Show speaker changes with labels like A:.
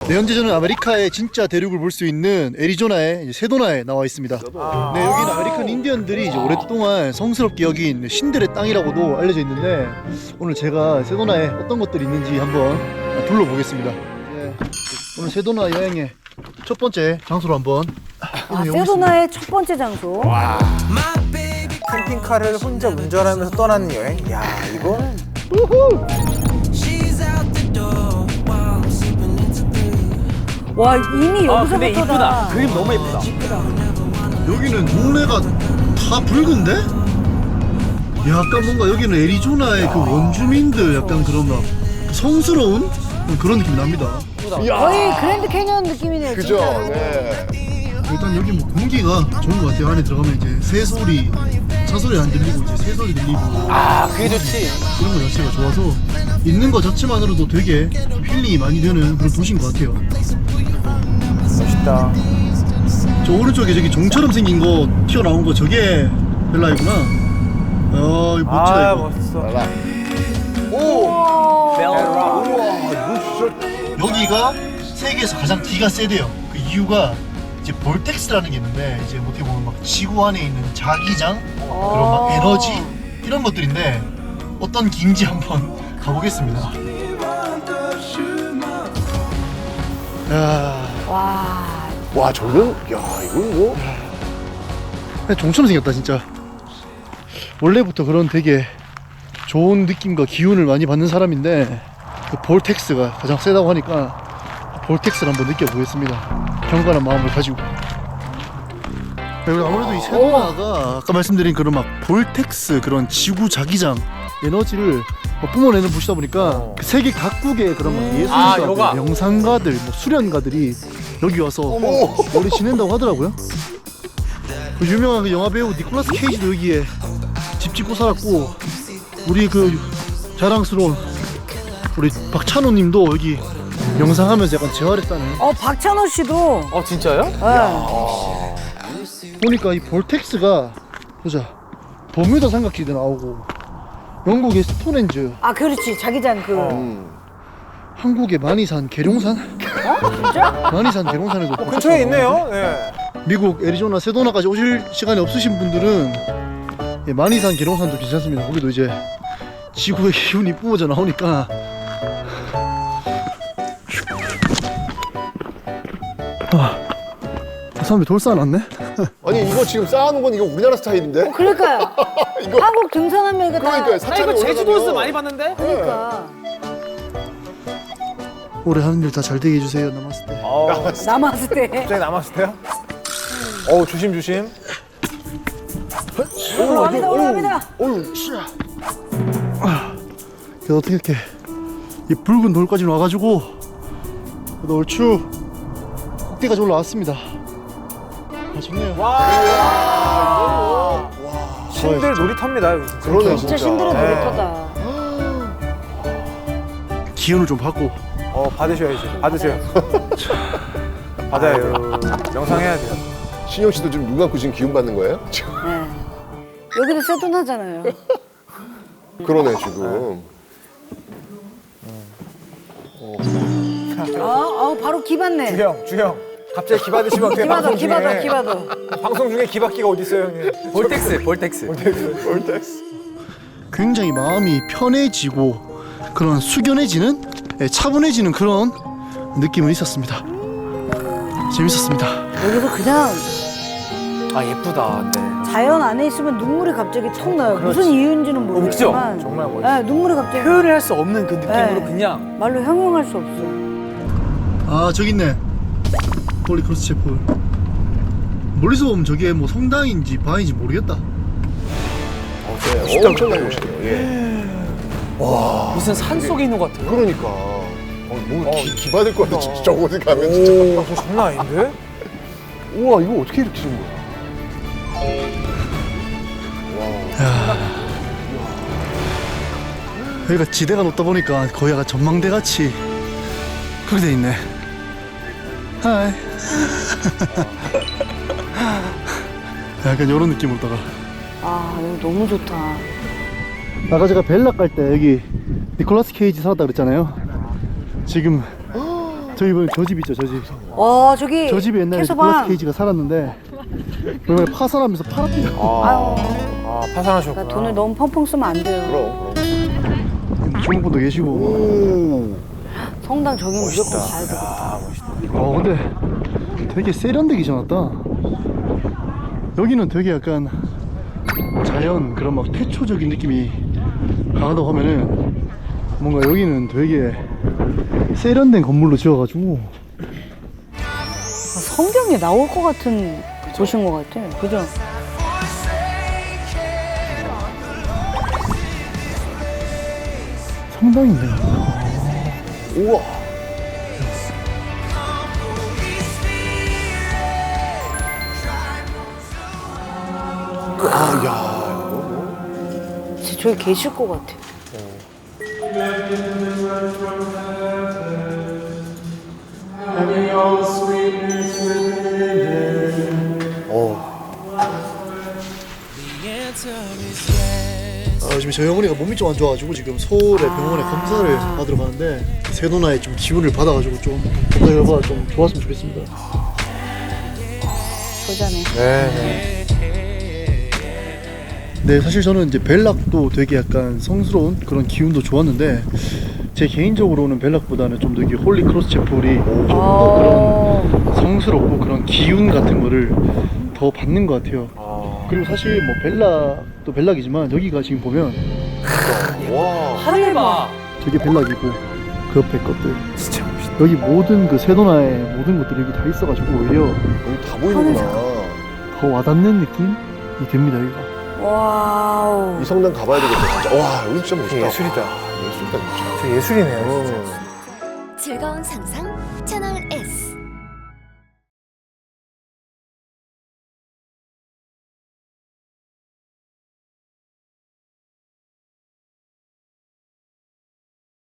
A: 네, 현재 저는 아메리카의 진짜 대륙을 볼 수 있는 애리조나의 이제 세도나에 나와 있습니다. 네, 여기는 아메리칸 인디언들이 이제 오랫동안 성스럽게 여긴 신들의 땅이라고도 알려져 있는데 오늘 제가 세도나에 어떤 것들이 있는지 한번 둘러보겠습니다. 네, 오늘 세도나 여행의 첫 번째 장소로 한번
B: 세도나의 첫 번째 장소.
C: 캠핑카를 혼자 운전하면서 떠나는 여행? 야, 이건
B: 와, 이미 여기서부터
D: 근데 이쁘다. 그림 너무 예쁘다.
A: 여기는 동네가 다 붉은데? 약간 뭔가 여기는 애리조나의 그 원주민들 약간 그런 막 성스러운 그런 느낌이 납니다.
B: 거의 그랜드 캐니언 느낌이네요.
E: 그죠?
B: 진짜로.
E: 네.
A: 일단 여기 뭐 공기가 좋은 것 같아요. 안에 들어가면 이제 새 소리, 차 소리 안 들리고 이제 새 소리 들리고
D: 아, 그게 좋지.
A: 이런 거 자체가 좋아서 있는 거 자체만으로도 되게 힐링이 많이 되는 그런 도시인 것 같아요.
C: 멋있다.
A: 저 오른쪽에 저기 종처럼 생긴 거 튀어나온 거 저게 벨라이구나. 이거 멋지다
C: 아,
A: 이거.
C: 멋있어.
A: 여기가 세계에서 가장 D가 세대요. 그 이유가 이제 볼텍스라는 게 있는데 이제 어떻게 보면 막 지구 안에 있는 자기장 그런 막 에너지 이런 것들인데 어떤 기인지 한번 가보겠습니다. 야,
E: 와, 저는, 야, 이건 뭐.
A: 그냥 종처럼 생겼다 진짜. 원래부터 그런 되게 좋은 느낌과 기운을 많이 받는 사람인데 그 볼텍스가 가장 세다고 하니까 볼텍스를 한번 느껴보겠습니다. 경건한 마음을 가지고. 그리고 아무래도 이 세도나가 아까 말씀드린 그런 막 볼텍스 그런 지구 자기장 에너지를 뿜어내는 곳이다 보니까 그 세계 각국의 그런 막 예술가들,
D: 요가.
A: 명상가들, 뭐 수련가들이 여기 와서 오래 지낸다고 하더라고요. 그 유명한 그 영화 배우 니콜라스 케이지도 여기에 집 짓고 살았고 우리 그 자랑스러운 우리 박찬호님도 여기 명상하면서 약간 재활했다네.
B: 박찬호 씨도.
D: 진짜요?
B: 네.
A: 보니까 이 볼텍스가 보자 버뮤다 삼각지대 나오고 영국의 스톤헨즈,
B: 아, 그렇지. 자기장 그.
A: 한국의 만이산 계룡산.
B: 진짜?
A: 만이산 계룡산에도
C: 근처에 있네요. 네.
A: 미국 애리조나 세도나까지 오실 시간이 없으신 분들은 예, 만이산 계룡산도 괜찮습니다. 거기도 이제 지구의 기운이 뿜어져 나오니까 사람이 돌 쌓아놨네?
E: 아니, 이거 지금 쌓아놓은 건 이거 우리나라 스타일인데?
B: 그러니까요.
E: 이거.
B: 한국 등산하면 이거 다.
E: 그러니까요.
D: 나
E: 사찰에
D: 이거 제주도에서
E: 올라가면.
D: 많이 봤는데?
B: 그러니까.
A: 올해 하는 일 다 잘 되게 해주세요. 남았을 때.
B: 남았을 때.
C: 갑자기 남았을 때요? 조심, 조심.
B: 올라갑니다, 올라갑니다.
A: 그래서 어떻게 이렇게 이 붉은 돌까지 와가지고 그래도 얼추 꼭대기까지 올라왔습니다. 좋네요.
C: 신들 놀이터입니다, 여기.
E: 그러네,
B: 진짜 신들은
C: 네.
B: 놀이터다.
A: 기운을 좀 받고
C: 받으셔야지. 받으세요. 받아요. 명상해야 돼요.
E: 신영 씨도 지금 눈 감고 지금 기운 받는 거예요?
B: 네. 여기도 세도나잖아요.
E: 그러네, 지금.
B: 바로 기 받네.
C: 주형. 갑자기 기 받으시면 어떻게
B: 기 받아,
C: 방송
B: 기
C: 중에.
B: 받아, 기 받아.
C: 방송 중에 기 받기가 어딨어요, 형님.
D: 볼텍스.
A: 굉장히 마음이 편해지고 그런 숙연해지는 차분해지는 그런 느낌은 있었습니다. 재밌었습니다.
B: 여기서 그냥
D: 아, 예쁘다. 근데.
B: 자연 안에 있으면 눈물이 갑자기 톡 나요. 무슨 이유인지는 모르겠지만.
D: 그죠?
C: 정말 멋있어.
B: 네, 눈물이 갑자기.
D: 표현을 할 수 없는 그 느낌으로
B: 네.
D: 그냥.
B: 말로 형용할 수 없어.
A: 아 저기 있네. 홀리 크로스 채플. 멀리서 보면 저게 뭐 성당인지 바인지 모르겠다.
E: 네, 엄청난 곳이네요. 예.
D: 무슨 산 속에 있는 것 같아요.
E: 그러니까. 뭐 기 받을 것 같아, 진짜. 저곳에 가면 진짜.
C: 저 장난 아닌데?
E: 우와, 이거 어떻게 이렇게 된 거야?
A: 여기가 지대가 높다 보니까 거의 약간 전망대 같이 그렇게 돼 있네. 하이. 약간 이런 느낌으로다가.
B: 여기 너무 좋다.
A: 아까 제가 벨락 갈 때 여기 니콜라스 케이지 살았다 그랬잖아요. 지금 저희 이번에 저 집 있죠, 저 집.
B: 저기
A: 저 집에 옛날에
B: 캐서방.
A: 니콜라스 케이지가 살았는데 이번에 파산하면서 팔았대요.
C: 아
B: 그러니까
C: 파산하셨구나.
B: 돈을 너무 펑펑 쓰면 안 돼요.
E: 그럼.
A: 주먹분도 계시고.
E: 오.
B: 성당 저기 무조건 가야 돼.
C: 아 멋있다.
A: 근데 되게 세련되게 지어놨다. 여기는 되게 약간 자연 그런 막 태초적인 느낌이 강하다고 하면은 뭔가 여기는 되게 세련된 건물로 지어가지고
B: 성경에 나올 것 같은 곳인 것 같아. 그죠?
A: 성당인데.
E: 우와. 아, 야, 이거 뭐.
B: 진짜 저기 계실 것 같아.
A: 지금 저희 어머니가 몸이 좀 안 좋아가지고 지금 서울의 병원에 검사를 받으러 가는데 세도나의 좀 기운을 받아가지고 좀 검사 결과가 좀 좋았으면 좋겠습니다.
B: 보자네.
C: 네네.
A: 네, 사실 저는 이제 벨락도 되게 약간 성스러운 그런 기운도 좋았는데 제 개인적으로는 벨락보다는 좀 더 이게 홀리 크로스 채플이 좀 더 그런 성스럽고 그런 기운 같은 거를 더 받는 것 같아요. 그리고 사실 뭐 벨락도 벨락이지만 여기가 지금 보면
E: 와.
D: 하늘 봐.
A: 저게 벨락이고 그 옆에 것들
C: 진짜 멋있다.
A: 여기 모든 그 세도나의 모든 것들이 여기 다 있어가지고 오히려
E: 여기 다 보이는구나.
A: 더 와닿는 느낌이 됩니다 여기가.
B: 와우.
E: 이 성당 가봐야 되겠다, 진짜. 와, 여기 진짜 멋있다.
C: 예술이다.
E: 예술이다, 진짜.
C: 저 예술이네요. 진짜.
F: 즐거운 상상 채널 A